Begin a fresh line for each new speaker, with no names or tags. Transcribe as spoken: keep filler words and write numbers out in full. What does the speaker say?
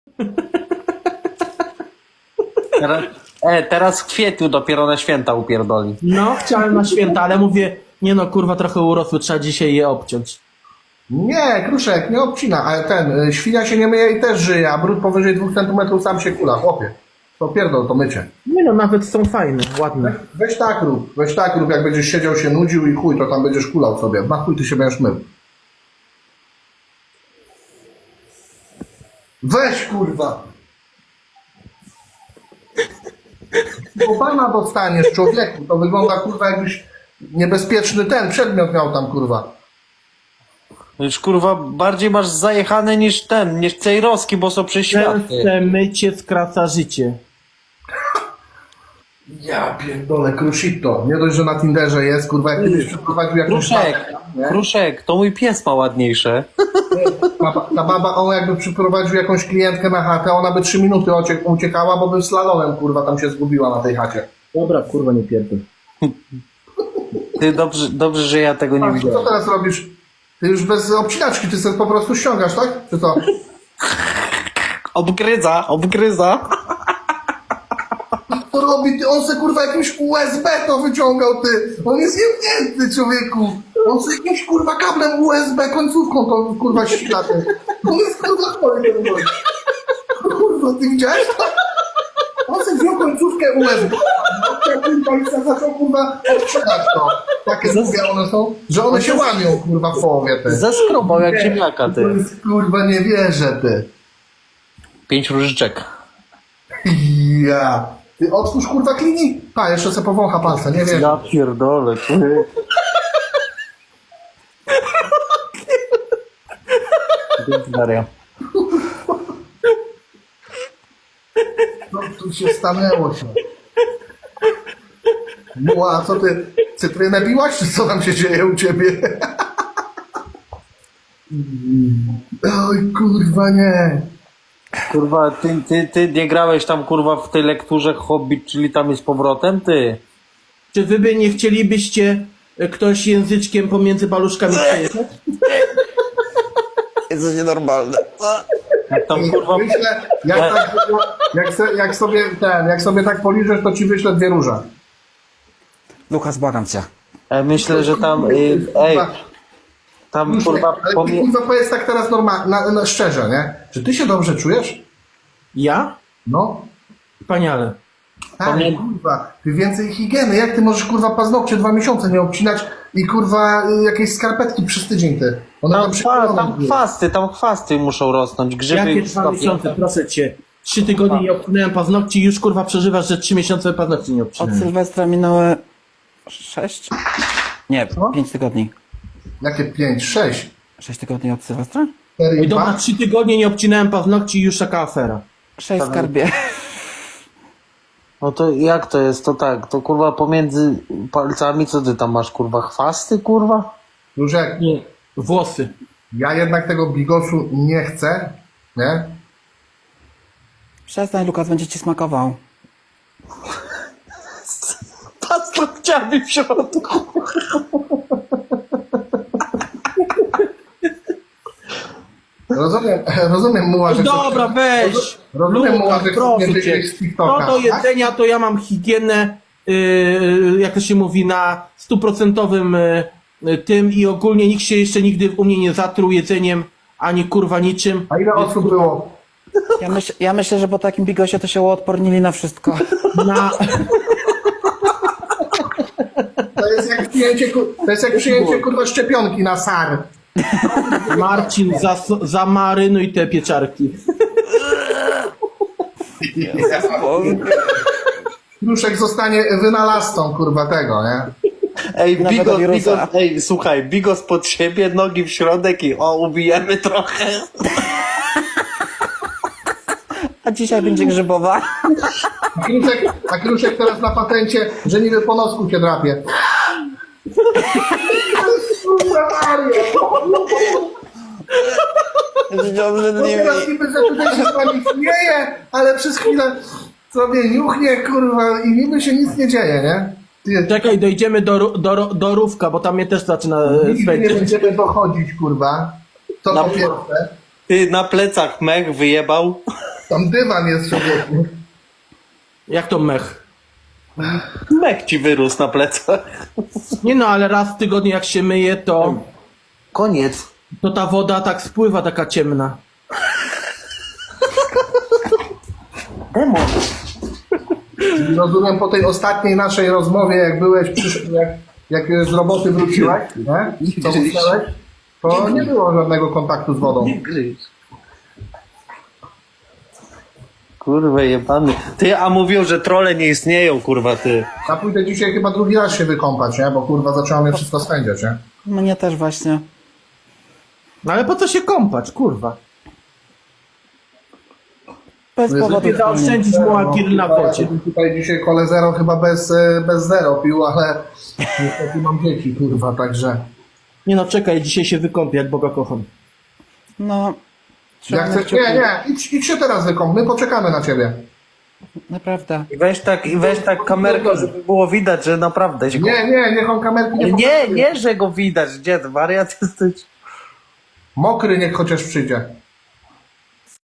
Teraz, e, teraz w kwietniu dopiero na święta upierdoli.
No, chciałem na święta, ale mówię, nie no, kurwa, trochę urosły, trzeba dzisiaj je obciąć.
Nie, Kruszek, nie obcina, ale ten, y, świnia się nie myje i też żyje, a brud powyżej dwóch centymetrów sam się kula, chłopie. To pierdol, to mycie.
Nie no, nawet są fajne, ładne.
Weź tak rób, weź tak rób, jak będziesz siedział, się nudził i chuj, to tam będziesz kulał sobie. Na chuj ty się będziesz mył. Weź, kurwa! Bo pana dostaniesz, człowieku, to wygląda, kurwa, jakbyś niebezpieczny ten przedmiot miał tam, kurwa.
Już kurwa bardziej masz zajechane niż ten, niż Cejrowski, bo są przeświaty.
Częste mycie skraca życie.
Ja pierdolę, Krushito. Nie dość, że na Tinderze jest, kurwa, jak kiedyś przeprowadził jakąś
Kruszek,
babę, nie?
Kruszek, to mój pies ma ładniejsze.
Ta, ta baba, on jakby przyprowadził jakąś klientkę na chatę, ona by trzy minuty uciek- uciekała, bo by slalomem, kurwa, tam się zgubiła na tej chacie.
Dobra, kurwa, nie pierdol.
Ty dobrze, dobrze, że ja tego nie
A, co
widziałem.
teraz robisz? Ty już bez obcinaczki, ty sobie po prostu ściągasz, tak? Czy co?
Obgryza, obgryza.
To robi, ty, on se kurwa jakimś U S B to wyciągał, ty. On jest jemnięty, człowieku. On se jakimś kurwa kablem U S B końcówką to kurwa ścina, ty. On jest kurwa chory, ten gość. Kurwa, ty widziałeś to? On se wziął końcówkę U S B. No, i se zaczął kurwa odprzedać to. Takie mówię, one są, że one się łamią kurwa w połowie, ty.
Zaskrobał jak ziemniaka,
To
ty.
jest, kurwa, nie wierzę, ty.
Pięć różyczek.
Ja. Ty otwórz kurwa klinik. Pa, jeszcze se powącha palce, nie wiem.
Ja pierdolę, ty. Maria.
Co tu się stanęło się? No, a co ty, cytrynę biłaś, czy co tam się dzieje u ciebie? Oj, kurwa, nie.
Kurwa, ty, ty, ty nie grałeś tam kurwa w tej lekturze Hobbit, czyli tam jest powrotem, ty?
Czy wy by nie chcielibyście e, ktoś języczkiem pomiędzy paluszkami przejechać?
Jest nienormalne.
Jak tam kurwa...
Wyślę, jak, tak, jak, se, jak sobie ten, jak sobie tak poliżesz, to ci wyślę dwie róże.
Lukas, błagam cię.
E, myślę, że tam... y, Ej, tam kurwa...
Ale ty
Pomie...
kurwa powiedz tak teraz normalnie, na, na, szczerze, nie? Czy ty się dobrze czujesz?
Ja?
No.
Wspaniale.
Tak,
Pamię-
kurwa, ty więcej higieny. Jak ty możesz kurwa paznokcie dwa miesiące nie obcinać i kurwa y, jakieś skarpetki przez tydzień ty? One
Tam,
tam
kwa,
przyklejone
tam
były.
chwasty, tam chwasty muszą rosnąć, grzyby...
Jakie dwa miesiące, proszę cię. Trzy tygodnie nie obcinałem paznokci i już kurwa przeżywasz, że trzy miesiące paznokci nie
Od
obcinałem.
Sylwestra minęły sześć? Nie,
Co?
pięć tygodni.
Jakie pięć, sześć,
Sześć tygodni od Sylwestra?
cztery
Oj
i
dobra,
dwa?
trzy tygodnie nie obcinałem paznokci i już taka afera.
Sześć skarbie.
No to jak to jest? To tak, to kurwa pomiędzy palcami, co ty tam masz, kurwa, chwasty, kurwa?
Różek,
Nie, włosy.
ja jednak tego bigosu nie chcę, nie?
Przestań, Lukas, będzie ci smakował.
Paznokciami w środku.
Rozumiem, rozumiem muła, że...
Dobra, weź!
Rozumiem,
Luka,
muła, że
proszę
nie
cię.
wyjść z TikToka,
No do
tak?
jedzenia to ja mam higienę, yy, jak to się mówi, na stuprocentowym yy, tym i ogólnie nikt się jeszcze nigdy u mnie nie zatruł jedzeniem, ani kurwa niczym.
A ile osób było?
Ja, myśl, ja myślę, że po takim bigosie to się uodpornili na wszystko.
Na...
To jest jak przyjęcie, ku- to jest jak przyjęcie kurwa szczepionki na SAR.
Marcin, zas- zamarynuj te pieczarki.
Kruszek zostanie wynalazcą kurwa tego, nie?
Ej,
Nowego
bigos,
wirusa.
bigos, ej, słuchaj, bigos pod siebie, nogi w środek i o, ubijemy trochę.
A dzisiaj będzie grzybowa.
A Kruszek, a Kruszek teraz na patencie, że niby po nosku się drapie. Kurwa Maria!
Dobrze,
No teraz niby, że tutaj się z wami śmieje, ale przez chwilę sobie niuchnie, kurwa, i niby się nic nie dzieje, nie? Ty,
Czekaj, dojdziemy do, ru- do, ro- do Rówka, bo tam mnie też zaczyna e,
nigdy nie
swędzić.
będziemy dochodzić, kurwa. To
Na-
po pierwsze.
Ty na plecach mech wyjebał.
Tam dywan jest, człowieku.
Jak to mech?
Mek ci wyrósł na plecach.
Nie no, ale raz w tygodniu jak się myje, to,
Koniec.
to ta woda tak spływa, taka ciemna.
Demon.
Rozumiem po tej ostatniej naszej rozmowie, jak byłeś, przysz... jak, jak z roboty wróciłeś, nie? Co usnąłeś, to nie było żadnego kontaktu z wodą.
Nie gryź. Kurwa jebany. Ty, a mówił, że trole nie istnieją, kurwa, ty.
Ja pójdę dzisiaj chyba drugi raz się wykąpać, nie? Bo kurwa zaczęło mnie wszystko spędzać, nie?
Mnie też właśnie.
No ale po co się kąpać, kurwa?
Bez
Jezu,
powodu.
Lepiej zaoszczędzić mu agil na wodzie.
Tutaj dzisiaj kole zero chyba bez, e, bez zero pił, ale niestety mam dzieci, kurwa, także...
Nie no, czekaj, dzisiaj się wykąpię, jak Boga kocham.
No.
Jak
trzymamy
chcesz...
kciuki.
Nie, nie, idź, idź się teraz wykąp, my poczekamy na ciebie.
Naprawdę.
I weź tak, i weź tak kamerkę, żeby było widać, że naprawdę się...
Nie, nie, niech on kamerki nie
Nie,
pokazuje.
nie, że go widać. Gdzie, wariat jesteś?
Mokry niech chociaż przyjdzie.